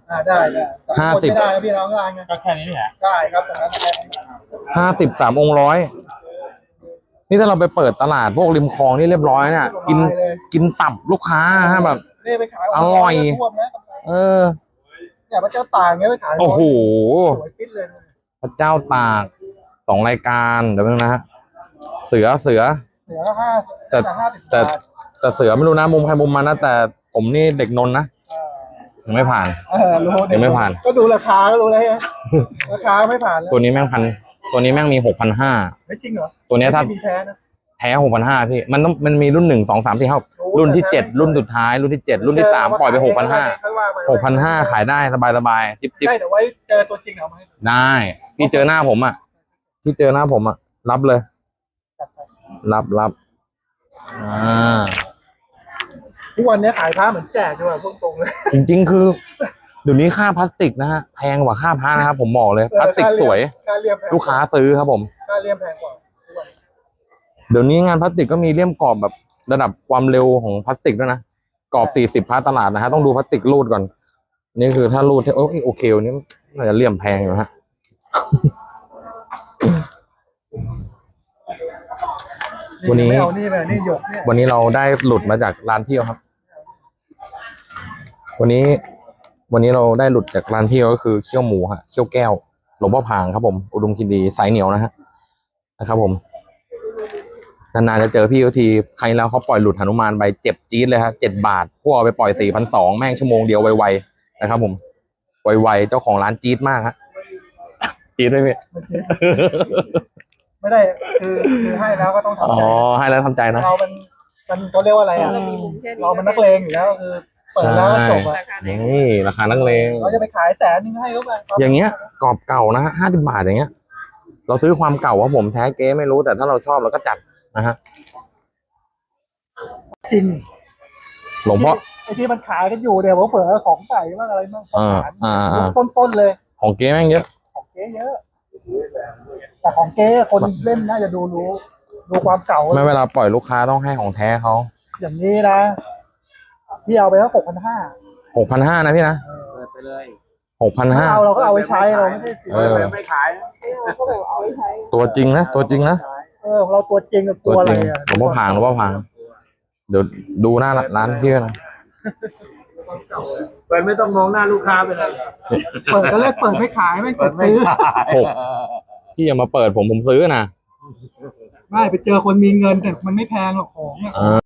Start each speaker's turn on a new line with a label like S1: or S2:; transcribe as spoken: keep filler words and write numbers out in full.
S1: อ่าได้ได้ห้าสิบได้พี่น้องได้ไงก็แค่นี้แหละได้ครับตรงนั้น
S2: ห้าสิบสามองค์ร้อยนี่ถ้าเราไปเปิดตลาดพวกริมคลองนี่เรียบร้อยเนี่ยกินกินตับลูกค้าฮะแบบอร่อยเออ
S1: เนี่ยพระเจ้าตากเงี้ยไปขาย
S2: โอ้โห
S1: สวยปิ๊ดเลย
S2: พระเจ้าตากสองรายการเดี๋ยวนึงนะฮะเสือเสือ
S1: เสือห้า
S2: แต่แต่แต่เสือไม่รู้นะมุมใครมุมมันนะแต่ผมนี่เด็กนนท์นะยังไม่ผ่าน
S1: เออรู้
S2: ยังไม่ผ่าน
S1: ก็ดูราคาก็รู้เลยราคาไม่ผ่าน
S2: ตัวนี้แม่งพันตัวนี้แม่งมีหกพันห้า
S1: ไม่จริงเหรอ
S2: ตัวนี้ถ้า
S1: มีแท้นะ
S2: แท้หกพันห้าพี่มันต้องมันมีรุ่นหนึ่งสองสามสี่ห้ารุ่นที่เจ็ดรุ่นสุดท้ายรุ่นที่เจ็ดรุ่นที่สามปล่อยไปหกพันห้าหกพันห้าขายได้สบายสบายจิ๊บจิ๊บ
S1: ได้เดี๋ยวไว้เจอตัวจริงเอาไหม
S2: ได้พี่เจอหน้าผมอ่ะพี่เจอหน้าผมอ่ะรับเลยรับรับอ่า
S1: ทุกวันนี้ขายผ้าเหมือนแจกด้วยพูดตรงเลย
S2: จริงๆคือเดี๋ยวนี้ค่าพลาสติกนะฮะแพงกว่าค่าผ้านะครับผมบอกเลยพลาสติกสวยลูกค้าซื้อครับผม
S1: ค่าเลี่ยมแพงกว่า
S2: เดี๋ยวนี้งานพลาสติกก็มีเลี่ยมกรอบแบบระดับความเร็วของพลาสติกด้วยนะกรอบสี่สิบพาตลาดนะฮะต้องดูพลาสติกรูดก่อนนี่คือถ้ารูดโอเคโอเคนี่น่าจะเลี่ยมแพงอยู่ฮะวันนี้วันนี้เราได้หลุดมาจากร้านเที่ยวครับวันนี้วันนี้เราได้หลุดจากร้านเที่ยวก็คือเคี่ยวหมูฮะเคี่ยวแก้วหลวงพ่อพางครับผมอุดมคินดีสายเหนียวนะฮะนะครับผมนานๆจะเจอพี่เขาทีใครแล้วเขาปล่อยหลุดหนุมานไปเจ็บจี๊ดเลยครับเจ็ดบาทพวกเอาไปปล่อยสี่พันสองแม่งชั่วโมงเดียวไวๆนะครับผมไวๆเจ้าของร้านจี๊ดมากฮะจี๊ดไหมพี่
S1: ไม่ได้คือคือให้แล้วก็ต้องทำใจ
S2: อ๋อให้แล้วทำใจนะ
S1: เราเป็นกันเขาเรียกว่าอะไรอ่ะเราเป็นนักเลงอยู่แล้วคือเปิดแล้วจบอ่ะ
S2: นี่ราคานักเลง
S1: เราจะไปขายแต่นึงให้เขาไป
S2: อย่างเงี้ยกรอบเก่านะฮะห้าสิบบาทอย่างเงี้ยเราซื้อความเก่าว่าผมแท้เก๊ไม่รู้แต่ถ้าเราชอบเราก็จัดนะฮะ
S1: จริง
S2: หลวงพ่อ
S1: ไอ้ที่มันขายกันอยู่เดี๋ยวผมเปิดของใส่บ้างอะไรบ้างต้นๆเลย
S2: ของเก๊แม่งเยอะ
S1: ของเก๊เยอะแต่ของเก๊คนเล่นน่าจะดูรู้ดูความเก่า
S2: ไม่เวลาปล่อยลูกค้าต้องให้ของแท้เขา
S1: อย่างนี้นะพี่เอาไปแล้วหกพันห้า
S2: หกพันห้านะพี่นะ
S3: เปิดไปเลย
S2: หกพันห้า
S1: เราเราก็เอาไว้ใช้เราไม่ได้
S3: ไม่ขาย
S1: เราก็แบบเอาไว้ใช้
S2: ตัวจริงนะตัวจริงนะ
S1: เออเราตัวจริงกับตัวอะไรอ่ะ
S2: หลวงพ่อพางหลวงพ่อพางเดี๋ยวดูหน้าร้านพี่นะ
S3: เปิดไม่ต้องมองหน้าลูกค้าไปเลย
S1: เปิดก็เลิกเปิดไม่ขายไม่เปิดซื้อ
S2: หกพี่อย่ามาเปิดผมผมซื้อนะ
S1: ไม่ไปเจอคนมีเงินแต่มันไม่แพงหรอกของอ่ะ